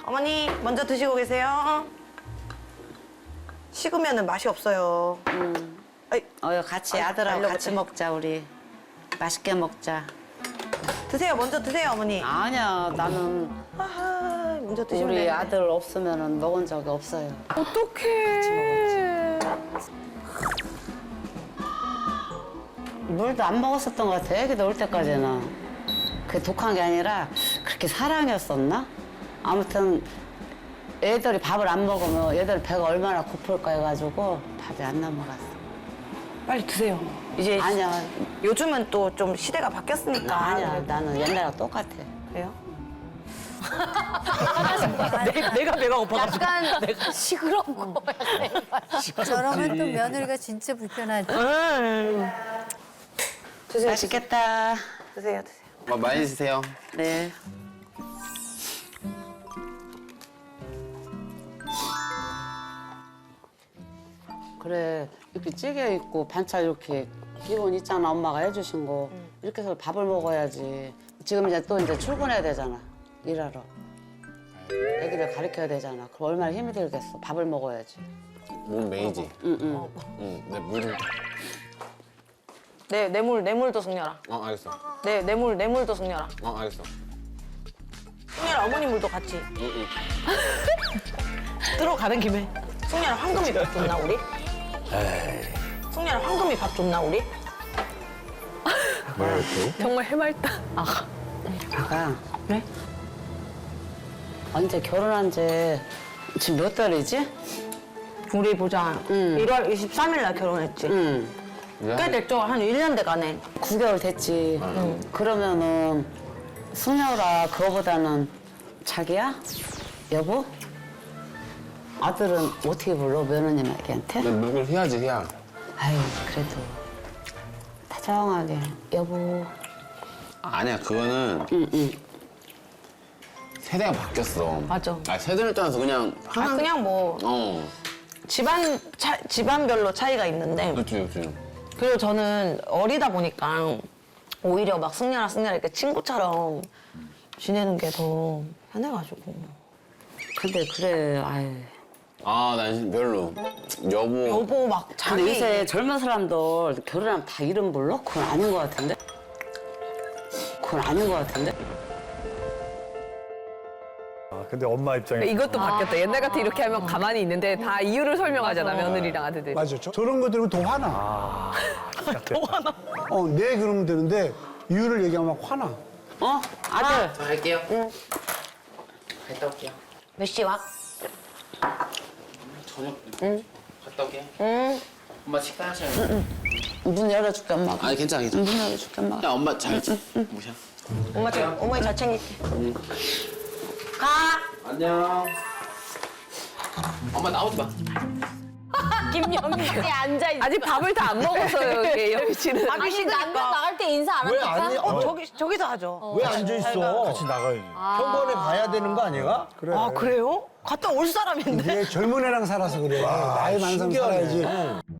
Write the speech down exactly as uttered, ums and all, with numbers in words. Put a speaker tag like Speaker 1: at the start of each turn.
Speaker 1: 어머니 먼저 드시고 계세요. 식으면은 맛이 없어요.
Speaker 2: 음.
Speaker 1: 아이,
Speaker 2: 어, 같이
Speaker 1: 아,
Speaker 2: 아들하고
Speaker 1: 달려고
Speaker 2: 같이
Speaker 1: 그래.
Speaker 2: 먹자 우리. 맛있게 먹자.
Speaker 1: 드세요. 먼저 드세요, 어머니.
Speaker 2: 아니야, 나는
Speaker 1: 아하, 먼저 드시면
Speaker 2: 우리
Speaker 1: 되는데.
Speaker 2: 아들 없으면은 먹은 적이 없어요.
Speaker 3: 어떡해.
Speaker 2: 물도 안 먹었었던 것 같아. 애기들 올 때까지는. 그게 독한 게 아니라 그렇게 사랑이었었나? 아무튼 애들이 밥을 안 먹으면 애들 배가 얼마나 고플까 해가지고 밥이 안 넘어갔어.
Speaker 1: 빨리 드세요. 이제
Speaker 2: 아니야,
Speaker 1: 요즘은 또 좀 시대가 바뀌었으니까.
Speaker 2: 아니야. 나는 옛날하고 똑같아.
Speaker 1: 그래요? 내, 내가 배가 고파가지고.
Speaker 3: 약간 시끄러운 거.
Speaker 4: 저러면 또 며느리가 진짜 불편하지.
Speaker 1: 음. 드세요.
Speaker 2: 맛있겠다.
Speaker 1: 드세요, 드세요.
Speaker 5: 뭐 많이 드세요.
Speaker 2: 네. 그래, 이렇게 찌개 있고 반찬 이렇게 기본 있잖아. 엄마가 해주신 거. 이렇게 해서 밥을 먹어야지. 지금 이제 또 이제 출근해야 되잖아. 일하러. 애기들 가르쳐야 되잖아. 그럼 얼마나 힘이 들겠어. 밥을 먹어야지.
Speaker 5: 몸 메이지.
Speaker 2: 응, 응.
Speaker 5: 응. 내 물 좀.
Speaker 1: 네, 뇌물, 뇌물도 승려라.
Speaker 5: 어 알겠어.
Speaker 1: 네, 뇌물, 뇌물도 승려라.
Speaker 5: 어 알겠어.
Speaker 1: 승려라, 어머니 물도 같이.
Speaker 5: 응 응.
Speaker 1: 들어가는 김에. 승려라, 황금이 밥 줬나, 우리? 승려라, 황금이 밥 줬나, 우리?
Speaker 3: 정말 해맑다.
Speaker 2: 아가.
Speaker 1: 네?
Speaker 2: 언제 결혼한 지 지금 몇 달이지?
Speaker 1: 우리 보자.
Speaker 2: 응.
Speaker 1: 일월 이십삼일 날 결혼했지.
Speaker 2: 응.
Speaker 1: 꽤 됐죠? 한 일 년 돼가네.
Speaker 2: 구 개월 됐지. 그러면은 승려라 그거보다는 자기야? 여보? 아들은 어떻게 불러 며느님에게한테?
Speaker 5: 내 물을 해야지 해야.
Speaker 2: 아유 그래도 다정하게 여보.
Speaker 5: 아니야 그거는
Speaker 2: 응응.
Speaker 5: 세대가 바뀌었어.
Speaker 1: 맞아.
Speaker 5: 아 세대를 떠나서 그냥
Speaker 1: 아,
Speaker 5: 하나.
Speaker 1: 그냥 뭐,
Speaker 5: 어.
Speaker 1: 집안, 차, 집안별로 차이가 있는데.
Speaker 5: 그렇지 그렇지.
Speaker 1: 그리고 저는 어리다 보니까 오히려 막 승려라, 승려라 이렇게 친구처럼 지내는 게 더 편해가지고.
Speaker 2: 근데 그래 아유.
Speaker 5: 아난 별로. 여보.
Speaker 1: 여보 막 자기.
Speaker 2: 근데 요새 젊은 사람들 결혼하면 다 이름 불러? 그건 아닌 것 같은데? 그건 아닌 것 같은데?
Speaker 6: 아, 근데 엄마 입장에
Speaker 3: 이것도 바뀌었다. 옛날 같아 이렇게 하면 가만히 있는데 다 이유를 설명하잖아, 며느리랑 아들들이.
Speaker 7: 맞아. 저, 저런 거 들으면 더 화나.
Speaker 6: 아, 더
Speaker 7: 화나. 어, 네 그러면 되는데 이유를 얘기하면 막 화나.
Speaker 2: 어? 아들.
Speaker 5: 저 할게요. 응. 갔다 올게요.
Speaker 1: 몇 시 와?
Speaker 5: 저녁. 응. 갔다 올게.
Speaker 1: 응.
Speaker 5: 엄마 식사하셔요.
Speaker 2: 문 열어줄게 엄마가.
Speaker 5: 아니 괜찮아 괜찮아.
Speaker 2: 문 열어줄게 엄마가.
Speaker 5: 야 엄마 잘 모셔.
Speaker 1: 엄마, 잘, 어머니 잘 챙길게. 가!
Speaker 5: 안녕. 엄마 나오지 마.
Speaker 3: 김영희에 앉아있는. 아직 밥을 다 안 먹었어요, 여기. 여기 지는.
Speaker 1: 아니,
Speaker 4: 아니 남편 나갈 때 인사 안
Speaker 7: 왜
Speaker 4: 합니까?
Speaker 7: 아니?
Speaker 1: 어,
Speaker 7: 어,
Speaker 1: 저기, 저기서 하죠.
Speaker 7: 왜 앉아 있어?
Speaker 6: 같이 나가야지.
Speaker 7: 현관에 가야 되는 거 아니야? 그래.
Speaker 1: 아, 그래요? 갔다 올 사람인데?
Speaker 7: 이게 젊은 애랑 살아서 그래. 나이 많은 사람 살아야지.